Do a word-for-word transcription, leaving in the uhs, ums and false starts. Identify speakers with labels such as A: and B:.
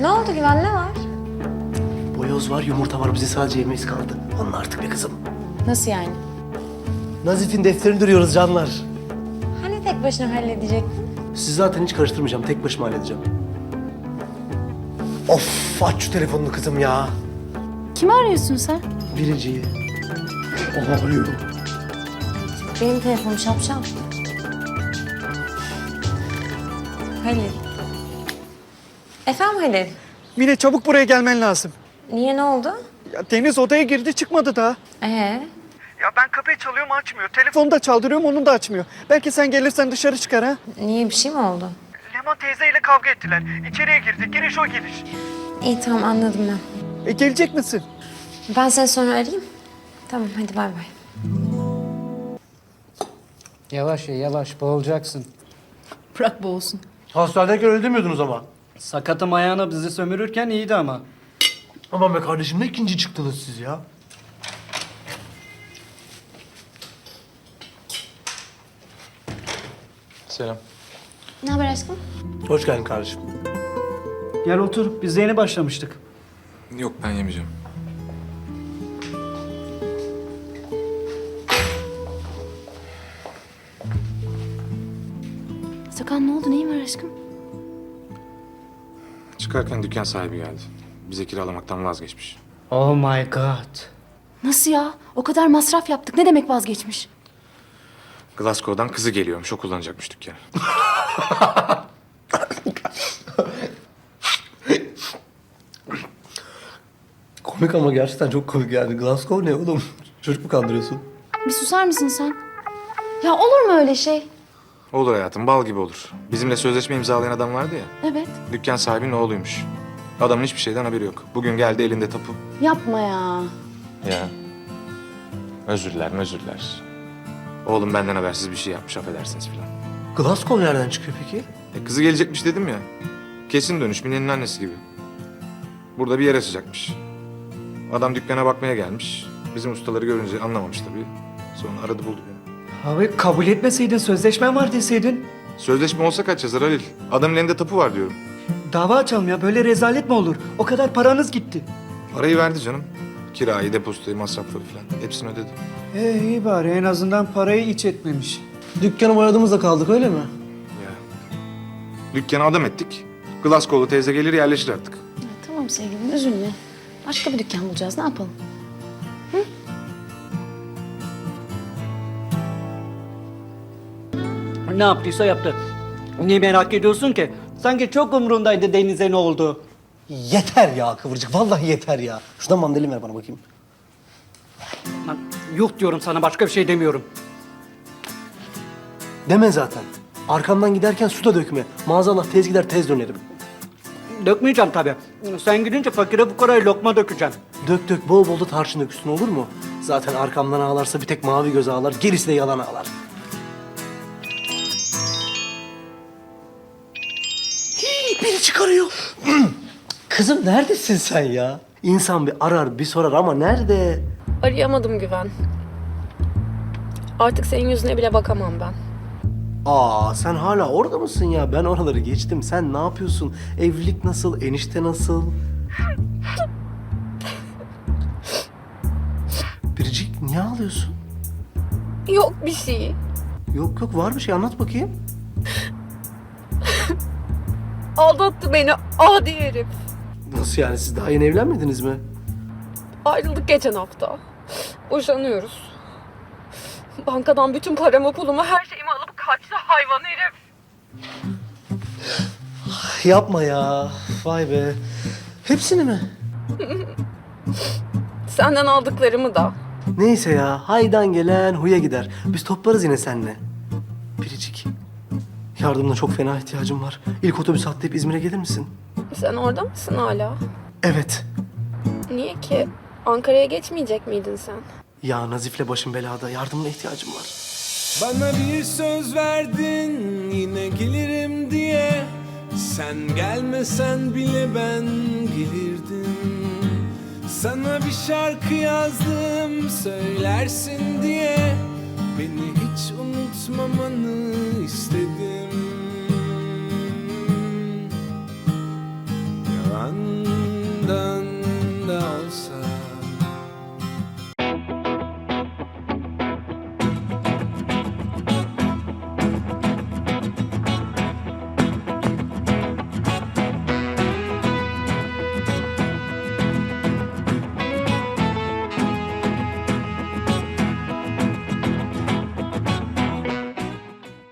A: Ne oldu Güven, ne var?
B: Boyoz var, yumurta var. Bize sadece yemeğimiz kaldı. Anla artık be kızım.
A: Nasıl yani?
B: Nazif'in defterini duruyoruz canlar.
A: Hani tek başına halledecektin?
B: Sizi zaten hiç karıştırmayacağım. Tek başıma halledeceğim. Of, aç şu telefonunu kızım ya.
A: Kimi arıyorsun sen?
B: Biriciyi. O arıyor.
A: Benim telefonum şapşal. Halil. Efendim Halil?
C: Mine çabuk buraya gelmen lazım.
A: Niye, ne oldu?
C: Ya Deniz odaya girdi çıkmadı daha.
A: Ee?
C: Ya ben kapıyı çalıyorum açmıyor. Telefonu da çaldırıyorum onun da açmıyor. Belki sen gelirsen dışarı çıkar ha.
A: Niye, bir şey mi oldu?
C: Leman teyzeyle kavga ettiler. İçeriye girdi. Giriş o giriş.
A: İyi, tamam, anladım ben.
C: E gelecek misin?
A: Ben seni sonra arayayım. Tamam, hadi bay bay.
D: Yavaş ye, yavaş. Boğulacaksın.
E: Bırak boğulsun.
B: Hastanedeyken öyle demiyordunuz ama.
D: Sakatım ayağına bizi sömürürken iyiydi ama.
B: Aman be kardeşim, ne ikinci çıktınız siz ya?
F: Selam.
A: Ne haber aşkım?
B: Hoş geldin kardeşim.
D: Gel otur. Biz de yeni başlamıştık.
F: Yok ben yemeyeceğim.
E: Sakan, ne oldu? Neyin var aşkım?
F: Çıkarken dükkan sahibi geldi. Bize kiralamaktan vazgeçmiş.
D: Oh my god.
E: Nasıl ya? O kadar masraf yaptık. Ne demek vazgeçmiş?
F: Glasgow'dan kızı geliyormuş. O kullanacakmış dükkanı.
B: Komik ama gerçekten çok komik yani. Glasgow ne oğlum? Çocuk mu kandırıyorsun?
E: Bir susar mısın sen? Ya olur mu öyle şey?
F: Olur hayatım, bal gibi olur. Bizimle sözleşme imzalayan adam vardı ya.
E: Evet.
F: Dükkan sahibinin oğluymuş. Adamın hiçbir şeyden haberi yok. Bugün geldi elinde tapu.
E: Yapma ya.
F: Ya. Özür diler, özür diler. Oğlum benden habersiz bir şey yapmış, affedersiniz filan.
B: Glasgow nereden çıkıyor peki?
F: E, kızı gelecekmiş dedim ya. Kesin dönüş, Mine'nin annesi gibi. Burada bir yer açacakmış. Adam dükkana bakmaya gelmiş. Bizim ustaları görünce anlamamış tabii. Sonra aradı buldu beni.
D: Abi kabul etmeseydin, sözleşmen var deseydin.
F: Sözleşme olsa kaç yazar Halil? Adamın elinde tapu var diyorum.
D: Dava açalım ya. Böyle rezalet mi olur? O kadar paranız gitti.
F: Parayı verdi canım. Kirayı, depozitoyu, masrafları falan. Hepsini ödedi.
D: Ee, iyi bari. En azından parayı iç etmemiş.
B: Dükkanı boyadığımızda kaldık öyle mi?
F: Ya. Dükkanı adam ettik. Glasgow'lu teyze gelir yerleşir artık.
E: Ya tamam sevgilim, üzülme. Başka bir dükkan bulacağız. Ne yapalım?
D: Ne yaptıysa yaptı. Niye merak ediyorsun ki? Sanki çok umrundaydı Deniz'e ne oldu.
B: Yeter ya Kıvırcık, vallahi yeter ya. Şuradan mandalin ver bana bakayım.
D: Lan, yok diyorum sana, başka bir şey demiyorum.
B: Deme zaten. Arkamdan giderken su da dökme. Maazallah tez gider tez dönerim.
D: Dökmeyeceğim tabii. Sen gidince fakire fukaraya lokma dökeceğim.
B: Dök dök, bol bol da tarçın dök üstüne, olur mu? Zaten arkamdan ağlarsa bir tek mavi göz ağlar, gerisi de yalan ağlar. Hii, beni çıkarıyor. Kızım neredesin sen ya? İnsan bir arar bir sorar ama nerede?
G: Arayamadım Güven. Artık senin yüzüne bile bakamam ben.
B: Aa, sen hala orada mısın ya? Ben oraları geçtim. Sen ne yapıyorsun? Evlilik nasıl? Enişte nasıl? Biricik, niye ağlıyorsun?
G: Yok bir şey.
B: Yok yok, var bir şey, anlat bakayım.
G: Aldattı beni adi herif.
B: Nasıl yani, siz daha yeni evlenmediniz mi?
G: Ayrıldık geçen hafta. Boşanıyoruz. Bankadan bütün paramı, pulumu, her şeyimi alıp kaçtı hayvan herif.
B: Yapma ya. Vay be. Hepsini mi?
G: Senden aldıklarımı da.
B: Neyse ya. Haydan gelen huya gider. Biz toplarız yine seninle. Biricik. Yardımına çok fena ihtiyacım var. İlk otobüs atlayıp İzmir'e gelir misin?
G: Sen orada mısın hala?
B: Evet.
G: Niye ki? Ankara'ya geçmeyecek miydin sen?
B: Ya Nazif'le başım belada. Yardımına ihtiyacım var.
H: Bana bir söz verdin yine gelirim diye. Sen gelmesen bile ben gelirdim. Sana bir şarkı yazdım söylersin diye. Beni hiç unutmamanı